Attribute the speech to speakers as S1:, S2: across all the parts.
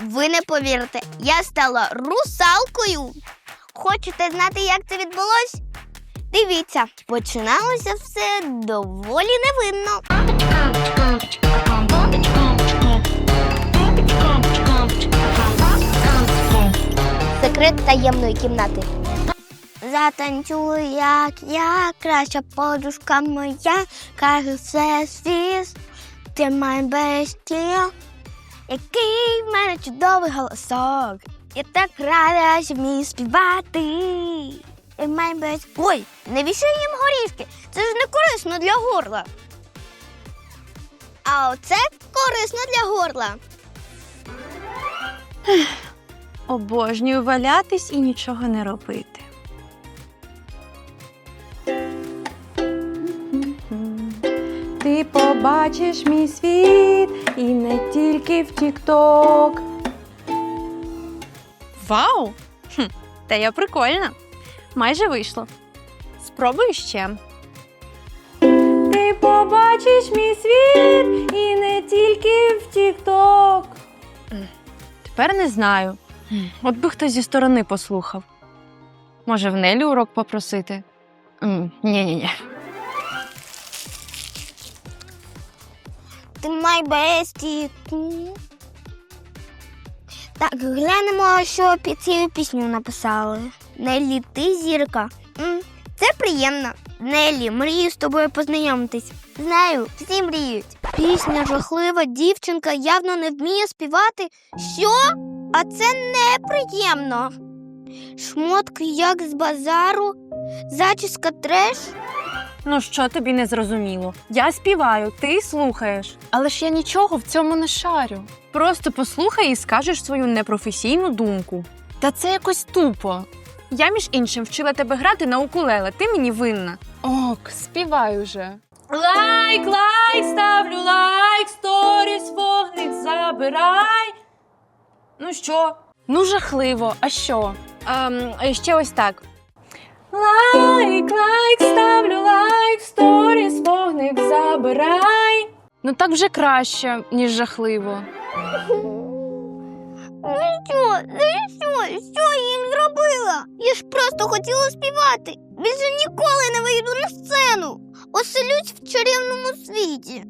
S1: Ви не повірите, я стала русалкою. Хочете знати, як це відбулось? Дивіться, починалося все доволі невинно. Секрет таємної кімнати. Затанцюю, як я, краща подружка моя, каже все світ, ти моя бестія. Який в мене чудовий голосок. Я так рада, що вмію співати. Ой, навіщо їм горішки? Це ж не корисно для горла. А оце корисно для горла.
S2: Обожнюю валятись і нічого не робити. Ти побачиш мій світ і не тільки в Тік-Ток. Вау! Та я прикольна. Майже вийшло. Спробуй ще. Ти побачиш мій світ і не тільки в Тік-Ток. Тепер не знаю. От би хтось зі сторони послухав. Може, в Нелі урок попросити? Ні-ні-ні.
S1: Ти my bestie. Так, глянемо, що під цією піснею написали. Неллі, ти зірка. Це приємно. Неллі, мрію з тобою познайомитись. Знаю, всі мріють. Пісня жахлива, дівчинка явно не вміє співати. Що? А це неприємно. Шмотки як з базару, зачіска треш.
S2: Ну що тобі не зрозуміло? Я співаю, ти слухаєш. Але ж я нічого в цьому не шарю. Просто послухай і скажеш свою непрофесійну думку. Та це якось тупо. Я, між іншим, вчила тебе грати на укулеле, ти мені винна.
S3: Ок, співай уже.
S2: Лайк, ставлю лайк, сторіс, вогник забирай. Ну що? Ну жахливо, а що? Ще ось так. Лайк, ставлю лайк, сторіс, вогник забирай. Ну так вже краще, ніж жахливо.
S1: Що я їм зробила? Я ж просто хотіла співати. Більше ніколи не вийду на сцену. Оселюсь в чарівному світі.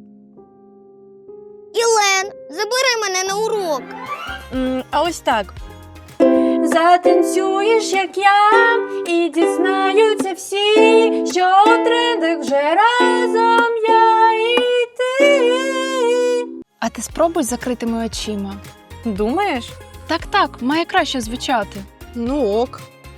S1: Ілен, забери мене на урок.
S2: А ось так. Затанцюєш, як я, і дізнаються всі, що у трендах вже разом я і ти.
S3: А ти спробуй з закритими очима.
S2: Думаєш?
S3: Так, має краще звучати.
S2: Ну ок.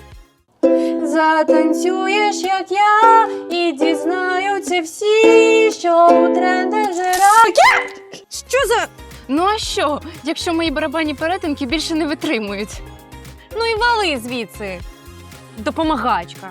S2: Затанцюєш, як я, і дізнаються всі, що у трендах вже разом... Що за...
S3: Ну а що, якщо мої барабанні перетинки більше не витримують?
S2: Ну і вали звідси, допомагачка.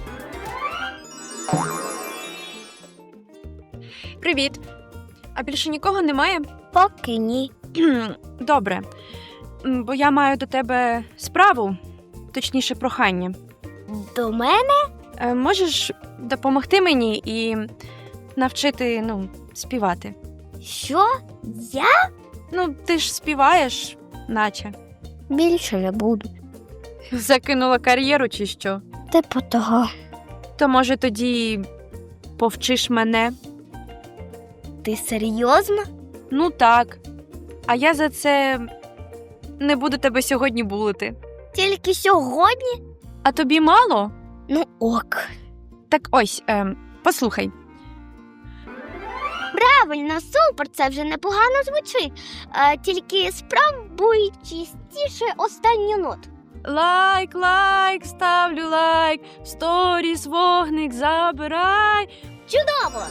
S2: Привіт. А більше нікого немає?
S1: Поки ні.
S2: Добре. Бо я маю до тебе справу, точніше прохання.
S1: До мене?
S2: Можеш допомогти мені і навчити, співати?
S1: Що? Я?
S2: Ну, ти ж співаєш, наче.
S1: Більше не буду.
S2: Закинула кар'єру чи що?
S1: Типу того.
S2: То, може, тоді повчиш мене?
S1: Ти серйозно?
S2: Ну так. А я за це не буду тебе сьогодні булити.
S1: Тільки сьогодні?
S2: А тобі мало?
S1: Ну ок.
S2: Так ось, послухай.
S1: Правильно, супер, це вже непогано звучить. Тільки спробуй частіше останню ноту.
S2: Лайк, ставлю лайк, в сторіс вогник забирай.
S1: Чудово!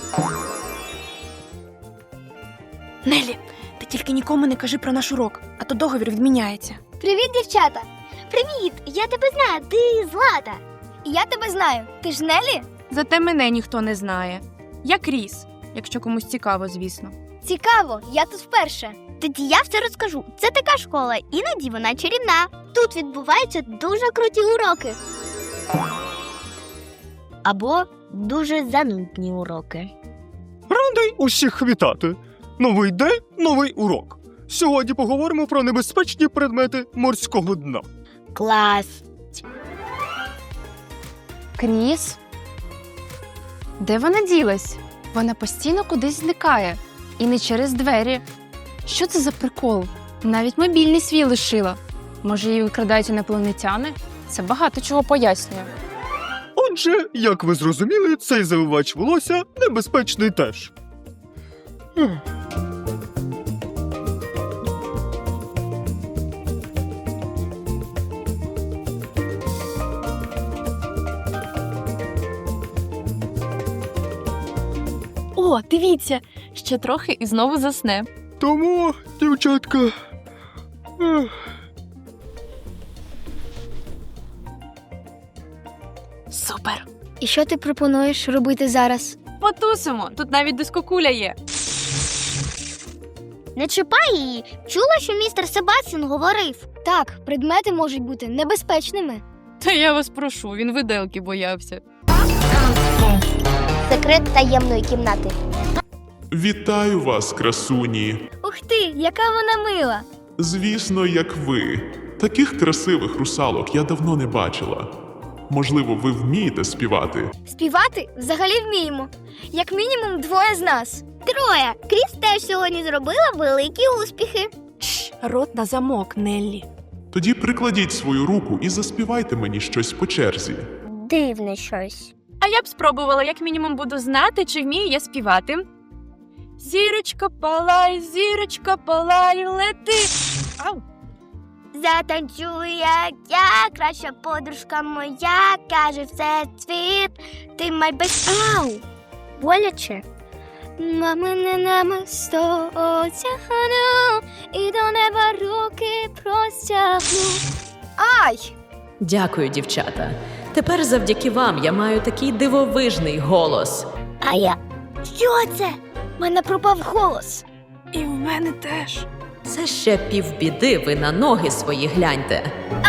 S2: Нелі, ти тільки нікому не кажи про наш урок, а то договір відміняється.
S1: Привіт, дівчата! Привіт! Я тебе знаю, ти Злата. Я тебе знаю. Ти ж Нелі?
S2: Зате мене ніхто не знає. Я Кріс, якщо комусь цікаво, звісно.
S1: Цікаво, я тут вперше. Тоді я все розкажу. Це така школа, іноді вона чарівна. Тут відбуваються дуже круті уроки. Або дуже занудні уроки.
S4: Радий усіх вітати. Новий день, новий урок. Сьогодні поговоримо про небезпечні предмети морського дна.
S1: Клас.
S3: Кріс? Де вона ділась? Вона постійно кудись зникає. І не через двері. Що це за прикол? Навіть мобільний свій лишила. Може, її викрадають інопланетяни? Це багато чого пояснює.
S4: Отже, як ви зрозуміли, цей завивач волосся небезпечний теж.
S2: О, дивіться, ще трохи і знову засне.
S4: Тому, дівчатка...
S2: Супер.
S1: І що ти пропонуєш робити зараз?
S2: Потусимо, тут навіть дискокуля є.
S1: Не чіпай її. Чула, що містер Себастьян говорив? Так, предмети можуть бути небезпечними.
S2: Та я вас прошу, він виделки боявся.
S1: Секрет таємної кімнати.
S5: Вітаю вас, красуні!
S1: Ух ти, яка вона мила!
S5: Звісно, як ви. Таких красивих русалок я давно не бачила. Можливо, ви вмієте співати?
S1: Співати взагалі вміємо. Як мінімум 2 з нас. 3. Кріс теж сьогодні зробила великі успіхи.
S2: Рот на замок, Неллі.
S5: Тоді прикладіть свою руку і заспівайте мені щось по черзі.
S1: Дивне щось.
S2: А я б спробувала, як мінімум буду знати, чи вмію я співати. Зірочка палай, лети. Ау.
S1: Затанцюй, як я, краща подружка моя, каже все світ, ти май без... Ау! Боляче. Мамине намисто одягну, і до неба руки простягну. Ай!
S6: Дякую, дівчата. Тепер завдяки вам я маю такий дивовижний голос.
S1: А я... Що це? В мене пропав голос.
S2: І в мене теж.
S6: Це ще півбіди, ви на ноги свої гляньте.